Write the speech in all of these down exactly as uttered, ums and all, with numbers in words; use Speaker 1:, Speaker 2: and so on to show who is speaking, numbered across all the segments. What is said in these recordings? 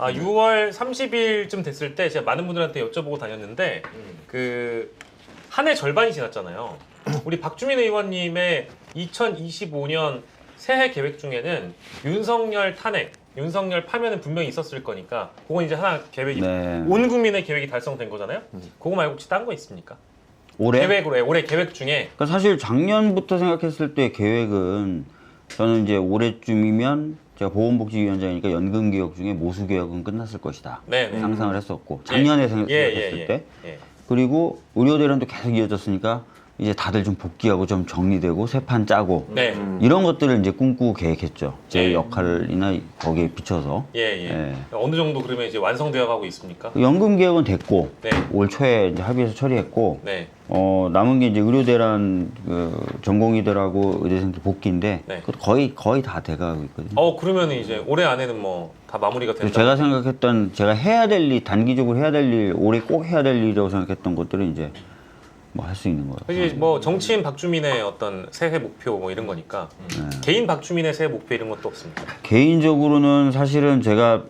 Speaker 1: 아, 유월 삼십일쯤 됐을 때 제가 많은 분들한테 여쭤보고 다녔는데 그 한 해 절반이 지났잖아요. 우리 박주민 의원님의 이천이십오 년 새해 계획 중에는 윤석열 탄핵, 윤석열 파면은 분명히 있었을 거니까 그건 이제 하나 계획이
Speaker 2: 네.
Speaker 1: 온 국민의 계획이 달성된 거잖아요. 그거 말고 혹시 딴 거 있습니까?
Speaker 2: 올해?
Speaker 1: 계획으로 해. 올해 계획 중에
Speaker 2: 그러니까 사실 작년부터 생각했을 때 계획은 저는 이제 올해쯤이면 제가 보건복지위원장이니까 연금개혁 중에 모수개혁은 끝났을 것이다.
Speaker 1: 네, 네.
Speaker 2: 상상을 했었고 작년에
Speaker 1: 예,
Speaker 2: 생각했을
Speaker 1: 예, 예,
Speaker 2: 때
Speaker 1: 예.
Speaker 2: 그리고 의료 대란도 계속 이어졌으니까 이제 다들 좀 복귀하고 좀 정리되고 새 판 짜고
Speaker 1: 네.
Speaker 2: 이런 것들을 이제 꿈꾸고 계획했죠. 제
Speaker 1: 예.
Speaker 2: 역할이나 거기에 비춰서.
Speaker 1: 예, 예.
Speaker 2: 예.
Speaker 1: 어느 정도 그러면 이제 완성되어 가고 있습니까?
Speaker 2: 연금 개혁은 됐고
Speaker 1: 네.
Speaker 2: 올 초에 이제 합의해서 처리했고
Speaker 1: 네.
Speaker 2: 어 남은 게 이제 의료 대란 그 전공의들하고 의대생들 복귀인데
Speaker 1: 네.
Speaker 2: 그것도 거의 거의 다 돼가고 있거든요.
Speaker 1: 어, 그러면 이제 올해 안에는 뭐 다 마무리가 된다.
Speaker 2: 제가 생각했던 제가 해야 될 일 단기적으로 해야 될 일 올해 꼭 해야 될 일이라고 생각했던 것들은 이제 뭐 할 수 있는 거예요.
Speaker 1: 이제 뭐 정치인 박주민의 어떤 새해 목표 뭐 이런 거니까
Speaker 2: 네.
Speaker 1: 개인 박주민의 새해 목표 이런 것도 없습니까?
Speaker 2: 개인적으로는 사실은 제가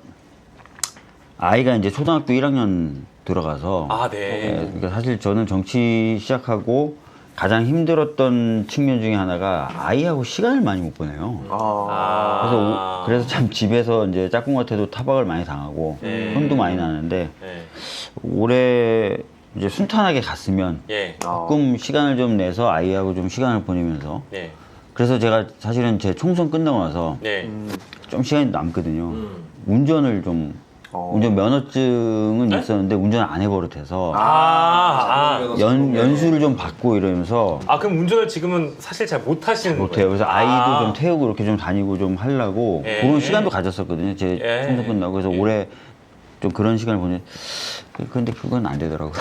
Speaker 2: 아이가 이제 초등학교 일 학년 들어가서
Speaker 1: 아,
Speaker 2: 예,
Speaker 1: 네.
Speaker 2: 그러니까 사실 저는 정치 시작하고 가장 힘들었던 측면 중에 하나가 아이하고 시간을 많이 못 보내요.
Speaker 3: 아.
Speaker 2: 그래서
Speaker 1: 아.
Speaker 2: 오- 그래서 참 집에서 이제 짝꿍 같아도 타박을 많이 당하고
Speaker 1: 네.
Speaker 2: 혼도 많이 나는데
Speaker 1: 네.
Speaker 2: 올해 이제 순탄하게 갔으면
Speaker 1: 예.
Speaker 2: 조금 시간을 좀 내서 아이하고 좀 시간을 보내면서
Speaker 1: 예.
Speaker 2: 그래서 제가 사실은 제 총선 끝나고 나서
Speaker 1: 네.
Speaker 2: 좀 시간이 남거든요.
Speaker 1: 음.
Speaker 2: 운전을 좀
Speaker 3: 어.
Speaker 2: 운전 면허증은
Speaker 1: 네?
Speaker 2: 있었는데 운전을 안 해버릇해서
Speaker 1: 아, 아.
Speaker 2: 연, 연수를 좀 받고 이러면서
Speaker 1: 아, 그럼 운전을 지금은 사실 잘 못 하시는 거예요?
Speaker 2: 못해요. 그래서 아이도
Speaker 1: 아.
Speaker 2: 좀 태우고 이렇게 좀 다니고 좀 하려고
Speaker 1: 예.
Speaker 2: 그런 시간도 가졌었거든요. 제
Speaker 1: 예.
Speaker 2: 총선 끝나고. 그래서
Speaker 1: 예.
Speaker 2: 올해 좀 그런 시간을 보내. 근데 그건 안 되더라고요.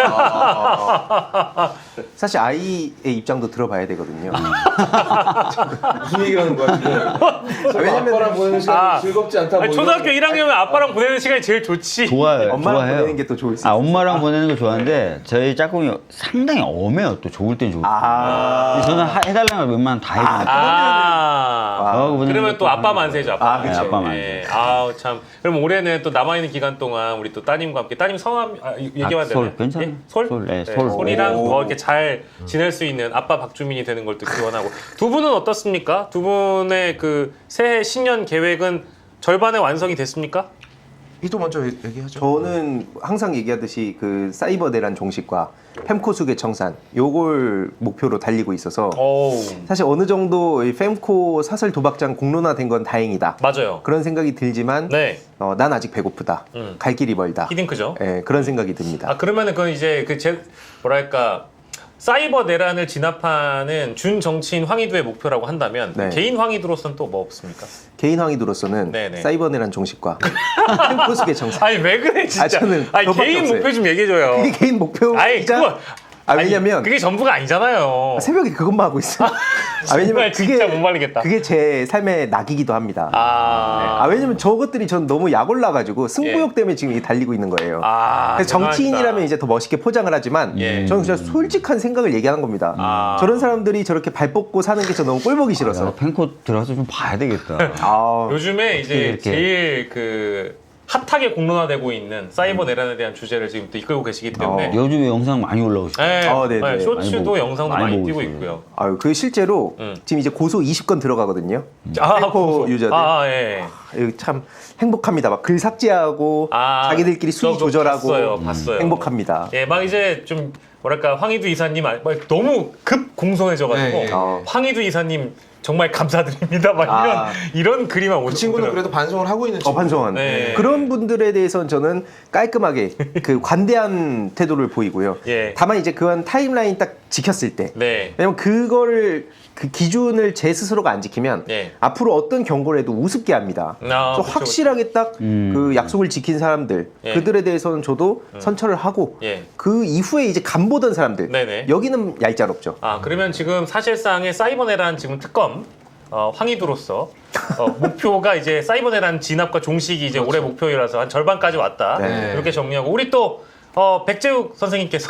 Speaker 3: 아. 사실 아이의 입장도 들어봐야 되거든요.
Speaker 4: 무슨 얘기를 하는 거야 지금?
Speaker 3: 왜냐면
Speaker 4: 아빠랑 보내는 시간이
Speaker 1: 아.
Speaker 4: 즐겁지 않다.
Speaker 1: 아니,
Speaker 4: 뭐
Speaker 1: 초등학교
Speaker 4: 이런-
Speaker 1: 일 학년이면 아빠랑 보내는 시간이 제일 좋지.
Speaker 2: 좋아요.
Speaker 3: 엄마랑
Speaker 2: 좋아해요.
Speaker 3: 보내는 게 또 좋을 수
Speaker 2: 아,
Speaker 3: 있어요.
Speaker 2: 엄마랑 보내는 거 좋아하는데 저희 짝꿍이 상당히 엄해요. 또 좋을 땐 좋고.
Speaker 3: 아.
Speaker 2: 근데 저는 하- 해달라는 걸 웬만하면 다 해주니까.
Speaker 1: 아.
Speaker 2: 저하고 보내는
Speaker 1: 그러면
Speaker 2: 것도
Speaker 1: 또 아빠
Speaker 2: 하는
Speaker 1: 만세죠.
Speaker 2: 거예요.
Speaker 1: 아빠
Speaker 3: 아, 그치.
Speaker 1: 만세.
Speaker 2: 네, 아빠 만세.
Speaker 1: 예. 아우 참. 그럼 올해는 또 남아 있는 기간 동안 우리 또 따님과 함께 따님 성함 아, 얘기하면
Speaker 2: 아, 솔.
Speaker 1: 되나요?
Speaker 2: 괜찮아요.
Speaker 1: 예? 솔?
Speaker 2: 솔, 네, 솔.
Speaker 1: 솔이랑
Speaker 3: 오.
Speaker 1: 뭐 이렇게 잘 지낼 수 있는 아빠 박주민이 되는 걸 또 기원하고 두 분은 어떻습니까? 두 분의 그 새해 신년 계획은 절반의 완성이 됐습니까?
Speaker 4: 이도 먼저 얘- 얘기하죠.
Speaker 3: 저는 항상 얘기하듯이 그 사이버 대란 종식과 fem코수계 청산 요걸 목표로 달리고 있어서
Speaker 1: 오.
Speaker 3: 사실 어느 정도 이 fem코 사설 도박장 공론화된 건 다행이다.
Speaker 1: 맞아요.
Speaker 3: 그런 생각이 들지만
Speaker 1: 네.
Speaker 3: 어, 난 아직 배고프다.
Speaker 1: 음.
Speaker 3: 갈 길이 멀다.
Speaker 1: 히딩크죠.
Speaker 3: 예, 그런 생각이 듭니다.
Speaker 1: 아 그러면은 그건 이제 그 제 뭐랄까 사이버 내란을 진압하는 준 정치인 황희두의 목표라고 한다면
Speaker 3: 네.
Speaker 1: 개인 황희두로서는 또 뭐 없습니까?
Speaker 3: 개인 황희도로서는
Speaker 1: 네네.
Speaker 3: 사이버 대란 종식과 fem코수계 청산.
Speaker 1: 아니 왜 그래 진짜?
Speaker 3: 아, 저는
Speaker 1: 아니
Speaker 3: 그거밖에
Speaker 1: 개인
Speaker 3: 없어요.
Speaker 1: 목표 좀 얘기해줘요.
Speaker 3: 그게 개인 목표이자
Speaker 1: 아니 그거
Speaker 3: 아,
Speaker 1: 아니,
Speaker 3: 왜냐면
Speaker 1: 그게 전부가 아니잖아요.
Speaker 3: 새벽에 그것만 하고 있어요. 아,
Speaker 1: 정말
Speaker 3: 왜냐면
Speaker 1: 진짜 못 말리겠다.
Speaker 3: 그게 제 삶의 낙이기도 합니다.
Speaker 1: 아,
Speaker 3: 아, 왜냐면 저것들이 전 너무 약올라가지고 승부욕
Speaker 1: 예.
Speaker 3: 때문에 지금 이게 달리고 있는 거예요.
Speaker 1: 아,
Speaker 3: 그래서 정치인이라면 이제 더 멋있게 포장을 하지만
Speaker 1: 예.
Speaker 3: 저는 진짜 솔직한 생각을 얘기하는 겁니다.
Speaker 1: 아.
Speaker 3: 저런 사람들이 저렇게 발 뻗고 사는 게 저 너무 꼴보기 싫어서.
Speaker 2: 야, 펜코 들어가서 좀 봐야 되겠다.
Speaker 3: 아,
Speaker 1: 요즘에 이제
Speaker 2: 이렇게.
Speaker 1: 제일 그 핫하게 공론화되고 있는 사이버 내란에 대한 주제를 지금 또 이끌고 계시기 때문에
Speaker 3: 어.
Speaker 2: 요즘에 영상 많이 올라오고 있어요.
Speaker 1: 네,
Speaker 3: 아, 네네.
Speaker 1: 네, 쇼츠도
Speaker 2: 많이 보고-
Speaker 1: 영상도
Speaker 2: 많이
Speaker 1: 많이,
Speaker 2: 보고
Speaker 1: 뛰고
Speaker 2: 있어요.
Speaker 1: 있고요.
Speaker 3: 아유, 그 실제로
Speaker 1: 음.
Speaker 3: 지금 이제 고소 이십 건 들어가거든요.
Speaker 1: 아,
Speaker 3: 펜코
Speaker 1: 고소.
Speaker 3: 유저들.
Speaker 1: 아, 아, 예.
Speaker 3: 이거 참 행복합니다. 막 글 삭제하고
Speaker 1: 아,
Speaker 3: 자기들끼리 순위
Speaker 1: 저도
Speaker 3: 조절하고
Speaker 1: 봤어요, 봤어요.
Speaker 3: 행복합니다.
Speaker 1: 예, 막 이제 좀 뭐랄까 황희두 이사님 아- 막 너무 급 공손해져가지고
Speaker 4: 네, 예, 예.
Speaker 3: 어.
Speaker 1: 황희두 이사님 정말 감사드립니다. 막 이런
Speaker 3: 아.
Speaker 1: 이런 글이만
Speaker 4: 그 친구는
Speaker 1: 오시더라고요.
Speaker 4: 그래도 반성을 하고 있는
Speaker 3: 어,
Speaker 4: 친구.
Speaker 3: 반성한.
Speaker 1: 네.
Speaker 3: 그런 분들에 대해서는 저는 깔끔하게 그 관대한 태도를 보이고요.
Speaker 1: 예.
Speaker 3: 다만 이제 그한 타임라인 딱 지켰을 때.
Speaker 1: 네.
Speaker 3: 왜냐면 그거를 그 기준을 제 스스로가 안 지키면
Speaker 1: 예.
Speaker 3: 앞으로 어떤 경고를 해도 우습게 합니다.
Speaker 1: 아,
Speaker 3: 그래서
Speaker 1: 그쵸,
Speaker 3: 확실하게 딱 그
Speaker 2: 음.
Speaker 3: 약속을 지킨 사람들
Speaker 1: 예.
Speaker 3: 그들에 대해서는 저도 선처를 하고
Speaker 1: 예.
Speaker 3: 그 이후에 이제 간 보던 사람들
Speaker 1: 네네.
Speaker 3: 여기는 얄짤없죠.
Speaker 1: 아 그러면 지금 사실상의 사이버 내란 지금 특검 어, 황희두로서 어, 목표가 이제 사이버 내란 진압과 종식이 이제 올해 목표이라서 한 절반까지 왔다.
Speaker 3: 네.
Speaker 1: 이렇게 정리하고 우리 또 어, 백재욱 선생님께서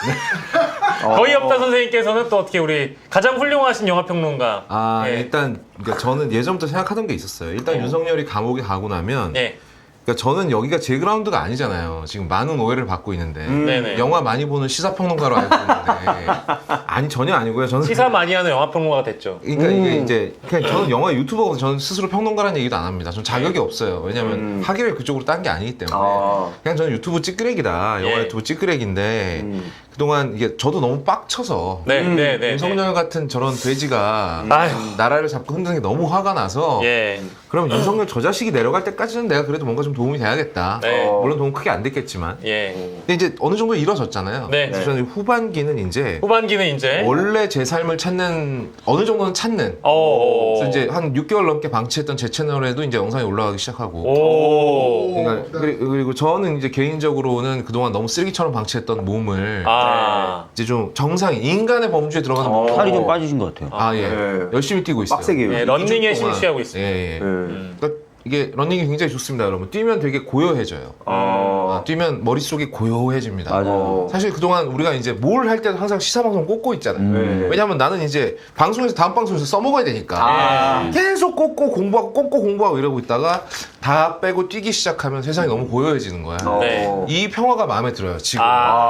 Speaker 1: 거의 없다 선생님께서는 또 어떻게 우리 가장 훌륭하신 영화 평론가.
Speaker 4: 아
Speaker 1: 예.
Speaker 4: 일단 그러니까 저는 예전부터 생각하던 게 있었어요. 일단
Speaker 1: 어.
Speaker 4: 윤석열이 감옥에 가고 나면
Speaker 1: 네.
Speaker 4: 그러니까 저는 여기가 제 그라운드가 아니잖아요. 지금 많은 오해를 받고 있는데
Speaker 3: 음.
Speaker 1: 네네.
Speaker 4: 영화 많이 보는 시사평론가로 알고 있는데 아니 전혀 아니고요. 저는
Speaker 1: 시사 많이 하는 영화 평론가가 됐죠.
Speaker 4: 그러니까 이게
Speaker 3: 음.
Speaker 4: 이제 그냥 저는 영화 유튜버고 저는 스스로 평론가라는 얘기도 안 합니다. 저는 자격이 없어요. 왜냐하면
Speaker 3: 음.
Speaker 4: 학위를 그쪽으로 딴 게 아니기 때문에
Speaker 3: 아.
Speaker 4: 그냥 저는 유튜브 찌끄레기다. 영화
Speaker 1: 예.
Speaker 4: 유튜브 찌끄레기인데
Speaker 3: 음.
Speaker 4: 그동안 이게 저도 너무 빡쳐서
Speaker 1: 네,
Speaker 3: 음,
Speaker 1: 네, 네.
Speaker 4: 윤석열 같은 저런 돼지가
Speaker 1: 아휴.
Speaker 4: 나라를 잡고 흔드는 게 너무 화가 나서
Speaker 1: 예.
Speaker 4: 그럼 윤석열 저 자식이 내려갈 때까지는 내가 그래도 뭔가 좀 도움이 돼야겠다.
Speaker 1: 네.
Speaker 3: 어.
Speaker 4: 물론 도움 크게 안 됐겠지만
Speaker 1: 예.
Speaker 4: 근데 이제 어느 정도 이뤄졌잖아요.
Speaker 1: 네.
Speaker 4: 그래서 저는 후반기는 이제
Speaker 1: 후반기는 이제
Speaker 4: 원래 제 삶을 찾는 어느 정도는 찾는
Speaker 1: 어.
Speaker 4: 그래서 이제 한 육 개월 넘게 방치했던 제 채널에도 이제 영상이 올라가기 시작하고
Speaker 1: 오.
Speaker 4: 그러니까 그리- 그리고 저는 이제 개인적으로는 그동안 너무 쓰레기처럼 방치했던 몸을
Speaker 1: 아.
Speaker 4: 이제 좀 정상 인간의 범주에 들어가는
Speaker 3: 어.
Speaker 4: 몸
Speaker 2: 살이 좀 빠지신 것 같아요.
Speaker 4: 아, 예.
Speaker 3: 네.
Speaker 4: 열심히 뛰고 있어요.
Speaker 3: 빡세게.
Speaker 1: 예,
Speaker 3: 예,
Speaker 1: 런닝에
Speaker 4: 이 주 동안.
Speaker 1: 실시하고 있습니다.
Speaker 4: 예, 예.
Speaker 1: 음.
Speaker 4: 그러니까 이게 러닝이 굉장히 좋습니다, 여러분. 뛰면 되게 고요해져요.
Speaker 3: 어.
Speaker 4: 아, 뛰면 머릿속이 고요해집니다.
Speaker 2: 맞아요.
Speaker 3: 어.
Speaker 4: 사실 그동안 우리가 이제 뭘 할 때도 항상 시사방송 꽂고 있잖아요.
Speaker 3: 네.
Speaker 4: 왜냐하면 나는 이제 방송에서 다음 방송에서 써먹어야 되니까
Speaker 3: 아.
Speaker 4: 계속 꽂고 공부하고 꽂고 공부하고 이러고 있다가 다 빼고 뛰기 시작하면 세상이 너무 고요해지는 거야.
Speaker 3: 어.
Speaker 1: 네.
Speaker 4: 이 평화가 마음에 들어요, 지금.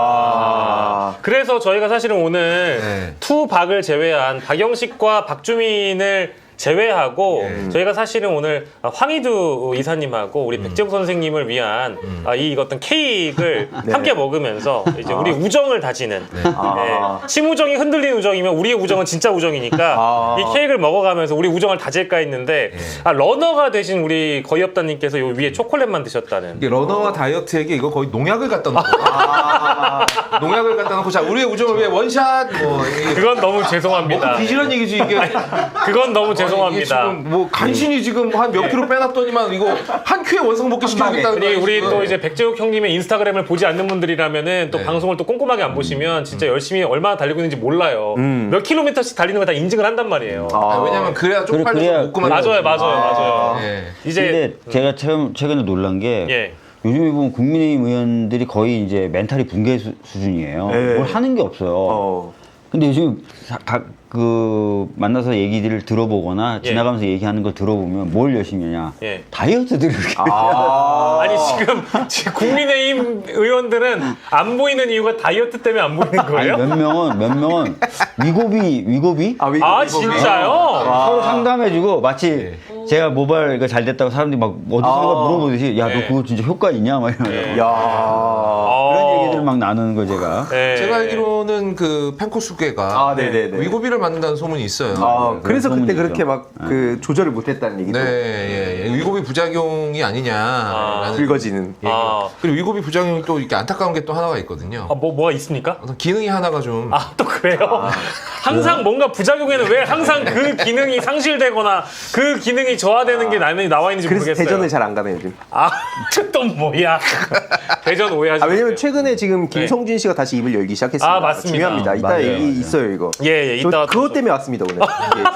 Speaker 1: 아. 그래서 저희가 사실은 오늘
Speaker 4: 네.
Speaker 1: 투박을 제외한 박영식과 박주민을 제외하고
Speaker 4: 예.
Speaker 1: 저희가 사실은 오늘 황희두 이사님하고 우리 백재국 선생님을 위한 아, 이 어떤 케이크를
Speaker 3: 네.
Speaker 1: 함께 먹으면서 이제 우리 우정을 다지는
Speaker 3: 아.
Speaker 1: 네. 심우정이 흔들린 우정이면 우리의 우정은 진짜 우정이니까
Speaker 3: 아.
Speaker 1: 이 케이크를 먹어가면서 우리 우정을 다질까 했는데
Speaker 4: 예.
Speaker 1: 아, 러너가 되신 우리 거의없다님께서 요 위에 초콜릿만 드셨다는
Speaker 4: 이게 러너와 다이어트에게 이거 거의 농약을 갖다 놓고 농약을 갖다 놓고 자 우리의 우정을 위해 원샷 뭐 이게
Speaker 1: 그건 너무 죄송합니다.
Speaker 4: 너무 비질한 얘기지 이게.
Speaker 1: 그건 너무 죄송합니다.
Speaker 4: 이게 지금 뭐 간신히 지금 한 몇 킬로 빼놨더니만 이거 한 큐에 원상복귀 시켜주겠다는
Speaker 1: 우리, 우리
Speaker 4: 지금.
Speaker 1: 또 이제 백재욱 형님의 인스타그램을 보지 않는 분들이라면은 또
Speaker 4: 네.
Speaker 1: 방송을 또 꼼꼼하게 안 보시면 진짜 열심히 얼마나 달리고 있는지 몰라요. 몇 킬로미터씩 달리는 거 다 인증을 한단 말이에요.
Speaker 4: 아, 왜냐면 그래야
Speaker 2: 그래,
Speaker 4: 쪽팔려서
Speaker 2: 그래야-
Speaker 4: 못 그만.
Speaker 1: 맞아요, 맞아요, 맞아요.
Speaker 4: 예.
Speaker 1: 이제
Speaker 2: 근데 제가 최근, 최근에 놀란 게
Speaker 1: 예.
Speaker 2: 요즘에 보면 국민의힘 의원들이 거의 이제 멘탈이 붕괴 수, 수준이에요.
Speaker 3: 네.
Speaker 2: 뭘 하는 게 없어요.
Speaker 3: 어.
Speaker 2: 근데 요즘 사- 각, 그 만나서 얘기들을 들어보거나
Speaker 1: 예.
Speaker 2: 지나가면서 얘기하는 걸 들어보면 뭘 열심히 하냐.
Speaker 1: 예.
Speaker 2: 다이어트들을 이렇게
Speaker 3: 아.
Speaker 1: 아니 지금, 지금 국민의힘 의원들은 안 보이는 이유가 다이어트 때문에 안 보이는
Speaker 2: 아니
Speaker 1: 거예요?
Speaker 2: 몇 명은 몇 명은 위고비 위고비
Speaker 3: 아, 위-
Speaker 1: 아
Speaker 3: 위-
Speaker 1: 진짜요?
Speaker 2: 서로 상담해주고 마치 제가 모발 이거 잘 됐다고 사람들이 막 어디선가
Speaker 3: 아.
Speaker 2: 물어보듯이 야 너
Speaker 1: 네.
Speaker 2: 그거 진짜 효과 있냐 막 이러면서
Speaker 3: 야.
Speaker 1: 어.
Speaker 2: 그런 얘기들을 막 나누는 거 제가.
Speaker 1: 네.
Speaker 4: 제가 알기로는 그 펜코수계가
Speaker 3: 아, 네네네.
Speaker 4: 위고비를 만든다는 소문이 있어요.
Speaker 3: 아, 그래서
Speaker 2: 그런
Speaker 3: 그때
Speaker 2: 소문이
Speaker 3: 그렇게
Speaker 2: 있죠.
Speaker 3: 막 그 조절을 못했다는 얘기도.
Speaker 4: 네, 예, 예. 위고비 부작용이 아니냐라는
Speaker 3: 긁어지는.
Speaker 4: 얘기.
Speaker 1: 아.
Speaker 4: 그리고 위고비 부작용이 또 이렇게 안타까운 게 또 하나가 있거든요.
Speaker 1: 아, 뭐 뭐가 있습니까?
Speaker 4: 어떤 기능이 하나가 좀
Speaker 1: 아 또 그래요? 항상 뭔가 부작용에는 왜 항상 그 기능이 상실되거나 그 기능이 저하되는 게 나는 나와 있는지
Speaker 3: 그래서
Speaker 1: 모르겠어요.
Speaker 3: 대전을 잘 안 가네 요즘.
Speaker 1: 아, 또 뭐야? 대전 오해하지
Speaker 3: 아, 왜냐면
Speaker 1: 마세요.
Speaker 3: 최근에 지금 김성준 씨가 다시 입을 열기 시작했습니다.
Speaker 1: 아, 맞습니다.
Speaker 3: 중요합니다. 이따
Speaker 2: 맞아요,
Speaker 3: 얘기
Speaker 2: 맞아요.
Speaker 3: 있어요 이거.
Speaker 1: 예, 예,
Speaker 3: 저
Speaker 1: 이따
Speaker 3: 그것
Speaker 1: 또-
Speaker 3: 때문에 왔습니다 오늘.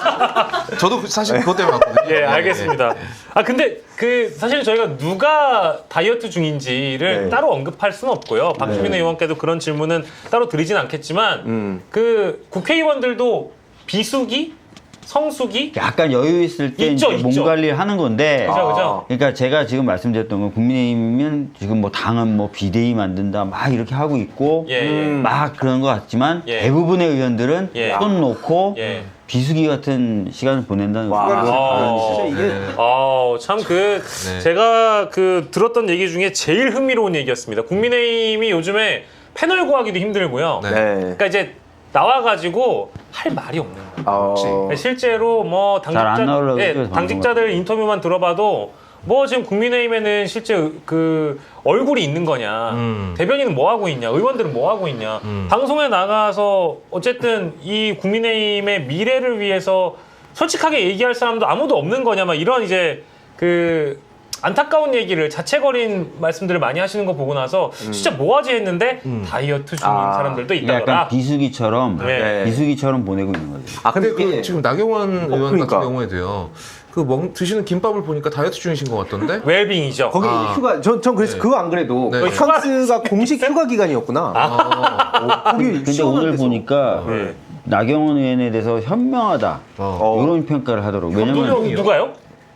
Speaker 3: 예.
Speaker 4: 저도 그- 사실 그것 때문에 왔거든요.
Speaker 1: 예, 알겠습니다. 아, 근데 그 사실 저희가 누가 다이어트 중인지를
Speaker 3: 네.
Speaker 1: 따로 언급할 수는 없고요. 박주민 의원께도 그런 질문은 따로 드리진 않겠지만
Speaker 3: 음.
Speaker 1: 그 국회의원들도 비수기, 성수기
Speaker 2: 약간 여유 있을 때
Speaker 1: 있죠,
Speaker 2: 이제 몸
Speaker 1: 있죠.
Speaker 2: 관리를 하는 건데.
Speaker 1: 그죠, 그죠?
Speaker 2: 그러니까 제가 지금 말씀드렸던 건 국민의힘이면 지금 뭐 당은 뭐 비대위 만든다 막 이렇게 하고 있고
Speaker 1: 예, 예.
Speaker 3: 음.
Speaker 2: 막 그런 것 같지만
Speaker 1: 예.
Speaker 2: 대부분의 의원들은
Speaker 1: 예.
Speaker 2: 손 놓고
Speaker 1: 예.
Speaker 2: 비수기 같은 시간을 보낸다는
Speaker 3: 와.
Speaker 2: 거죠.
Speaker 1: 아.
Speaker 3: 진짜 이게
Speaker 4: 네.
Speaker 1: 아, 참 그
Speaker 4: 네.
Speaker 1: 제가 그 들었던 얘기 중에 제일 흥미로운 얘기였습니다. 국민의힘이 요즘에 패널 구하기도 힘들고요.
Speaker 4: 네.
Speaker 3: 네.
Speaker 1: 그러니까 이제 나와가지고 할 말이 없는 거예요.
Speaker 3: 어.
Speaker 1: 실제로 뭐
Speaker 2: 잘안
Speaker 1: 당직자,
Speaker 2: 나오려고
Speaker 1: 예,
Speaker 2: 그러죠,
Speaker 1: 당직자들 인터뷰만 들어봐도 뭐 지금 국민의힘에는 실제 그 얼굴이 있는 거냐,
Speaker 4: 음.
Speaker 1: 대변인은 뭐 하고 있냐, 의원들은 뭐 하고 있냐,
Speaker 4: 음.
Speaker 1: 방송에 나가서 어쨌든 이 국민의힘의 미래를 위해서 솔직하게 얘기할 사람도 아무도 없는 거냐, 막 이런 이제 그 안타까운 얘기를 자책거린 말씀들을 많이 하시는 거 보고 나서 진짜 뭐하지 했는데 다이어트 중인
Speaker 3: 아.
Speaker 1: 사람들도
Speaker 2: 그러니까
Speaker 1: 있다더라.
Speaker 2: 약간 비수기처럼
Speaker 1: 네.
Speaker 2: 비수기처럼 보내고 있는 거죠.
Speaker 3: 아
Speaker 4: 근데
Speaker 3: 근데
Speaker 4: 그
Speaker 3: 이게
Speaker 4: 지금 나경원 의원
Speaker 3: 그러니까.
Speaker 4: 같은 경우에도요. 그 먹, 드시는 김밥을 보니까 다이어트 중이신 것 같던데.
Speaker 1: 웰빙이죠.
Speaker 3: 거기
Speaker 4: 아.
Speaker 3: 휴가 전, 전 그래서
Speaker 4: 네.
Speaker 3: 그거 안 그래도
Speaker 4: 네.
Speaker 3: 바캉스가 공식 휴가 기간이었구나.
Speaker 1: 아.
Speaker 3: 어, 거기
Speaker 2: 근데
Speaker 3: 시원한
Speaker 2: 오늘
Speaker 3: 데서.
Speaker 2: 보니까
Speaker 1: 네.
Speaker 2: 나경원 의원에 대해서 현명하다
Speaker 4: 어.
Speaker 3: 어.
Speaker 2: 이런 평가를 하더라고요. 왜냐면
Speaker 4: 현명이요.
Speaker 1: 누가요?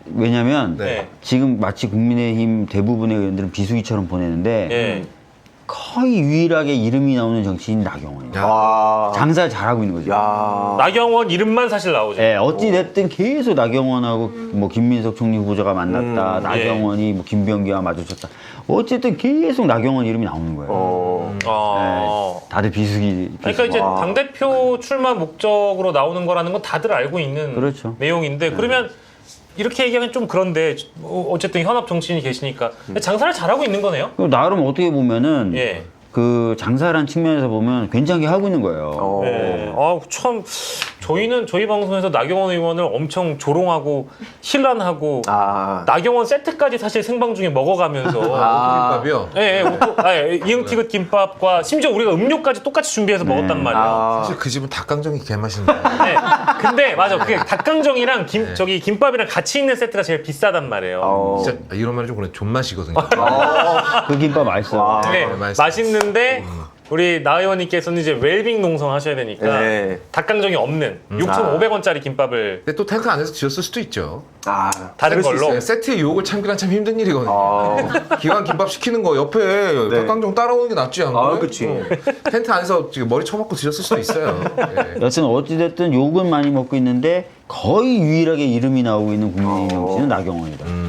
Speaker 2: 왜냐면
Speaker 4: 네.
Speaker 2: 지금 마치 국민의힘 대부분의 의원들은 비수기처럼 보내는데
Speaker 1: 예.
Speaker 2: 거의 유일하게 이름이 나오는 정치인 나경원이에요.
Speaker 4: 야.
Speaker 3: 와.
Speaker 2: 장사를 잘하고 있는 거죠.
Speaker 3: 야.
Speaker 1: 나경원 이름만 사실 나오죠.
Speaker 2: 예, 어찌 됐든 계속 나경원하고 뭐 김민석 총리 후보자가 만났다.
Speaker 3: 음,
Speaker 2: 나경원이 뭐 김병기와 마주쳤다. 어쨌든 계속 나경원 이름이 나오는 거예요.
Speaker 3: 어.
Speaker 1: 아.
Speaker 2: 예, 다들 비수기.
Speaker 1: 그러니까 이제
Speaker 3: 와.
Speaker 1: 당 대표 출마 목적으로 나오는 거라는 건 다들 알고 있는
Speaker 2: 그렇죠.
Speaker 1: 내용인데 그러면 이렇게 얘기하면 좀 그런데 어, 어쨌든 현업 정치인이 계시니까 장사를 잘하고 있는 거네요.
Speaker 2: 그리고 나름 어떻게 보면은
Speaker 1: 예.
Speaker 2: 그 장사란 측면에서 보면 괜찮게 하고 있는 거예요.
Speaker 3: 어.
Speaker 1: 네. 아, 참 저희는 저희 방송에서 나경원 의원을 엄청 조롱하고 힐난하고
Speaker 3: 아.
Speaker 1: 나경원 세트까지 사실 생방 중에 먹어가면서
Speaker 3: 아.
Speaker 4: 김밥이요.
Speaker 1: 예, 예, 오토- 아, 예, 이응티귿 김밥과 심지어 우리가 음료까지 똑같이 준비해서 먹었단 말이에요.
Speaker 3: 아.
Speaker 4: 사실 그 집은 닭강정이 개맛인데.
Speaker 1: 네. 근데 맞아, 그게 닭강정이랑 김 저기 김밥이랑 같이 있는 세트가 제일 비싸단 말이에요.
Speaker 3: 어.
Speaker 4: 진짜 이런 말이 좀 그래 존맛이거든요.
Speaker 2: 그 김밥 맛있어요.
Speaker 3: 와.
Speaker 1: 네,
Speaker 4: 네, 맛있어요.
Speaker 1: 맛있는데 우리 나 의원님께서는 이제 웰빙 농성 하셔야 되니까
Speaker 3: 네.
Speaker 1: 닭강정이 없는 육천오백 원짜리 김밥을
Speaker 4: 근데 또 텐트 안에서 지었을 수도 있죠.
Speaker 3: 아.
Speaker 1: 다른
Speaker 4: 그럴 수
Speaker 1: 걸로.
Speaker 4: 있어요. 세트의 유혹을 참기란 참 힘든 일이거든요.
Speaker 3: 아.
Speaker 4: 기왕 김밥 시키는 거 옆에 닭강정 따라오는 게 낫지 않나요?
Speaker 3: 아, 그치.
Speaker 4: 어. 텐트 안에서 지금 머리 쳐박고 드셨을 수도 있어요. 예.
Speaker 2: 여튼 어찌됐든 욕은 많이 먹고 있는데 거의 유일하게 이름이 나오고 있는 국민의힘 정치는 나경원이다.